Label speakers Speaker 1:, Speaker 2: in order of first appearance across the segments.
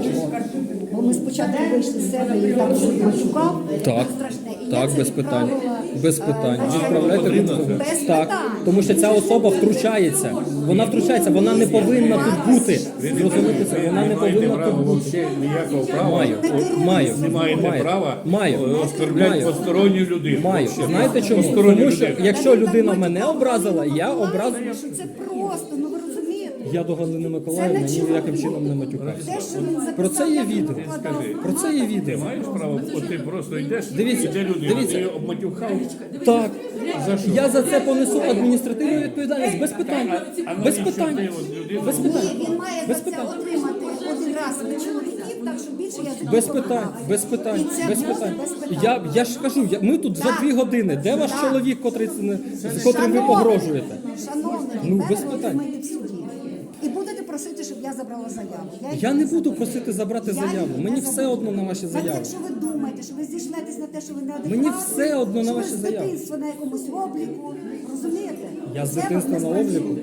Speaker 1: чого. Бо ми спочатку вийшли з себе і там щось матюкав.
Speaker 2: Так,
Speaker 1: страшне. І
Speaker 2: так,
Speaker 1: я
Speaker 2: без
Speaker 1: це
Speaker 2: питань.
Speaker 1: відправила,
Speaker 2: Без питань.
Speaker 1: начальнику.
Speaker 2: Відправляйте відповідь.
Speaker 1: Без
Speaker 2: Так,
Speaker 1: питань.
Speaker 2: тому що ця особа втручається. Вона втручається, вона не повинна тут бути. Зрозуміти це, вона не повинна тут бути.
Speaker 3: Взагалі ніякого права.
Speaker 2: Маю.
Speaker 3: Не маєте права оскорбляти
Speaker 2: Маю.
Speaker 3: посторонню людину.
Speaker 2: Маю. Знаєте чому?
Speaker 3: Посторонню
Speaker 2: Тому що
Speaker 3: людину.
Speaker 2: якщо людина мене образила, я образую.
Speaker 1: Що це просто, ну ви розумієте?
Speaker 2: Я до Галини Миколаївни ніяким чином не матюкався.
Speaker 1: Те, що він записав,
Speaker 2: Про це є
Speaker 1: я
Speaker 2: відео.
Speaker 1: викладав.
Speaker 2: Про це є відео.
Speaker 3: Маєш право, от ти просто йдеш,
Speaker 2: Дивіться,
Speaker 3: іде людина,
Speaker 2: дивіться.
Speaker 3: ти її обматюхав.
Speaker 2: Так.
Speaker 3: За що?
Speaker 2: Я за це понесу адміністративну відповідальність без питань. Без
Speaker 3: навіщо
Speaker 2: питань.
Speaker 3: ти от людину-
Speaker 2: Без питань.
Speaker 1: Ні, він має за
Speaker 2: Без
Speaker 1: це
Speaker 2: питань.
Speaker 1: отримати один раз від чоловіків, так що більше я за
Speaker 2: Без
Speaker 1: нього
Speaker 2: питань,
Speaker 1: не
Speaker 2: без питань,
Speaker 1: І це
Speaker 2: без
Speaker 1: просто
Speaker 2: питань.
Speaker 1: без питань.
Speaker 2: Я ж кажу, ми тут вже 2 години. Де ваш
Speaker 1: Так.
Speaker 2: чоловік, з котрим ви погрожуєте?
Speaker 1: Шановний,
Speaker 2: Ну, без
Speaker 1: тепер ви
Speaker 2: питань.
Speaker 1: отримаєте в суді. І будете просити, щоб я забрала заяву.
Speaker 2: Я не буду просити забрати
Speaker 1: Я
Speaker 2: заяву.
Speaker 1: її
Speaker 2: Мені
Speaker 1: не
Speaker 2: все
Speaker 1: заберу.
Speaker 2: одно на ваші
Speaker 1: Так,
Speaker 2: заяви.
Speaker 1: якщо ви думаєте, що ви зійшлетесь на те, що ви не адекватні,
Speaker 2: Мені все одно на
Speaker 1: що ви
Speaker 2: ваші
Speaker 1: з
Speaker 2: заяви.
Speaker 1: дитинства на якомусь обліку, розумієте?
Speaker 2: Я з
Speaker 1: Це
Speaker 2: дитинства
Speaker 1: вас не
Speaker 2: на
Speaker 1: спрацює.
Speaker 2: обліку.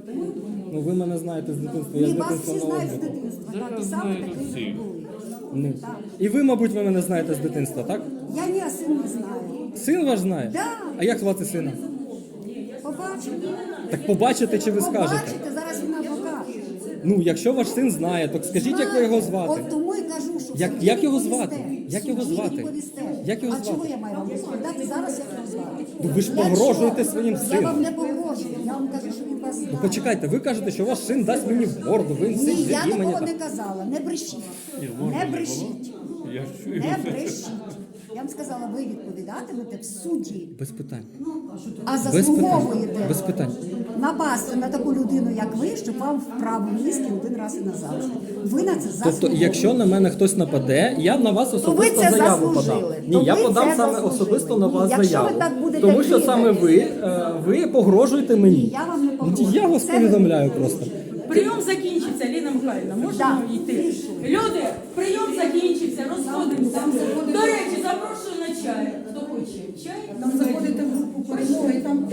Speaker 2: Ну ви мене знаєте з дитинства, я з
Speaker 1: Ні, вас
Speaker 2: дитинства
Speaker 1: всі
Speaker 2: на
Speaker 1: знають з
Speaker 2: обліку.
Speaker 1: дитинства, так, і саме такий були.
Speaker 2: Ну. І ви, мабуть, ви мене знаєте з дитинства, так?
Speaker 1: Я ні, а син не знаю.
Speaker 2: Син ваш знає?
Speaker 1: Да.
Speaker 2: А як звати сина?
Speaker 1: Побачите.
Speaker 2: Так побачите чи ви скажете?
Speaker 1: Побачите, зараз він нам покаже.
Speaker 2: Ну, якщо ваш син знає, то скажіть, як ви його звати.
Speaker 1: От тому і кажу, що в
Speaker 2: Як-
Speaker 1: суді
Speaker 2: як його
Speaker 1: відповісте.
Speaker 2: звати? Як його
Speaker 1: В суді
Speaker 2: звати?
Speaker 1: відповісте.
Speaker 2: Як його
Speaker 1: А
Speaker 2: звати?
Speaker 1: чого я маю вам розповідати зараз, як його звати?
Speaker 2: Ну, ви ж
Speaker 1: Якщо-
Speaker 2: погрожуєте своїм
Speaker 1: Я
Speaker 2: сином.
Speaker 1: вам не погрожую, я вам кажу, що він вас знає.
Speaker 2: Почекайте, ви кажете, що ваш син дасть мені в морду, ви
Speaker 1: Ні,
Speaker 2: сидите
Speaker 1: я
Speaker 2: і мені
Speaker 1: такого
Speaker 2: так.
Speaker 1: не казала, не брешіть. Не брешіть.
Speaker 3: Я ж чую.
Speaker 1: Не брешіть. Я вам сказала, ви відповідатимете в суді,
Speaker 2: Без питань.
Speaker 1: а
Speaker 2: Без питань.
Speaker 1: заслуговуєте
Speaker 2: Без питань.
Speaker 1: напасти на таку людину, як ви, щоб вам вправо мізки один раз і назавжди. Ви на це
Speaker 2: Тобто,
Speaker 1: заслуговуєте.
Speaker 2: якщо на мене хтось нападе, я на вас
Speaker 1: ви
Speaker 2: особисто
Speaker 1: це
Speaker 2: заяву
Speaker 1: заслужили.
Speaker 2: подам.
Speaker 1: То
Speaker 2: Ні, я
Speaker 1: ви
Speaker 2: подам
Speaker 1: це
Speaker 2: саме
Speaker 1: заслужили.
Speaker 2: особисто на вас
Speaker 1: Ні, якщо
Speaker 2: заяву.
Speaker 1: ви так будете
Speaker 2: Тому що
Speaker 1: діяти-
Speaker 2: саме ви погрожуєте мені.
Speaker 1: Я вам не
Speaker 2: Ну,
Speaker 1: погрожую.
Speaker 2: Я вас
Speaker 1: Це
Speaker 2: повідомляю просто.
Speaker 4: Прийом закінчиться, Ліна Михайлівна, можемо
Speaker 1: Да.
Speaker 4: йти? Люди, прийом закінчився, розходимося. До речі, запрошую на чай. Хто хоче? Чай? Там заходите в групу перемоги, там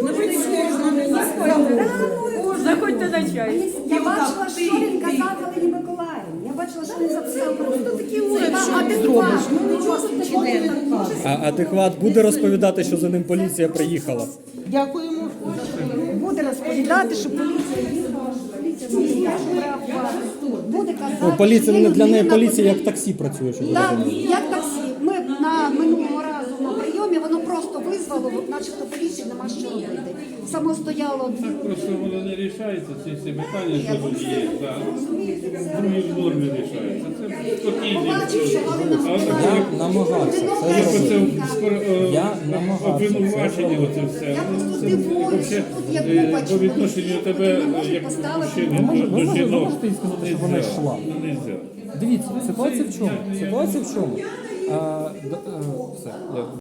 Speaker 4: заходьте на чай.
Speaker 1: Я бачила, що він казав Галині Миколаївні. Я бачила, що він записав. Просто такі уряд, що ти зробиш? Ну нічого такого не каже.
Speaker 2: А адекват буде розповідати, що за ним поліція приїхала.
Speaker 4: Дякуємо.
Speaker 1: Буде розповідати, що поліція їхала, що поліція не що реагувати. Буде казати,
Speaker 2: Ну, поліція
Speaker 1: що є
Speaker 2: для неї
Speaker 1: людина,
Speaker 2: поліція як таксі працює, щоб ви
Speaker 1: Так,
Speaker 2: розуміли.
Speaker 1: як таксі. Ми на минулого разу на прийомі, воно просто визвало, начебто поліції нема що робити. Само стояло дві.
Speaker 3: Просто воно не рішається, ці всі питання, що тут є. Так. В другій нормі рішається. Це спокійно.
Speaker 1: Побачив, що Галина
Speaker 2: Я намагався це
Speaker 3: Оце
Speaker 2: зробити. Я намагався
Speaker 3: обвинувачення, оце все.
Speaker 1: Я просто
Speaker 3: Це
Speaker 1: дивуюсь,
Speaker 3: вообще,
Speaker 1: що тут є купа
Speaker 3: по відношенню
Speaker 1: чоловіків,
Speaker 3: тебе,
Speaker 1: які не можуть
Speaker 3: як
Speaker 1: поставити
Speaker 3: мужчини,
Speaker 2: Ви
Speaker 3: до жінок.
Speaker 2: можете їй сказати, щоб вона йшла?
Speaker 3: Нельзя.
Speaker 2: Дивіться, ситуація в чому? Ситуація в чому? Все, я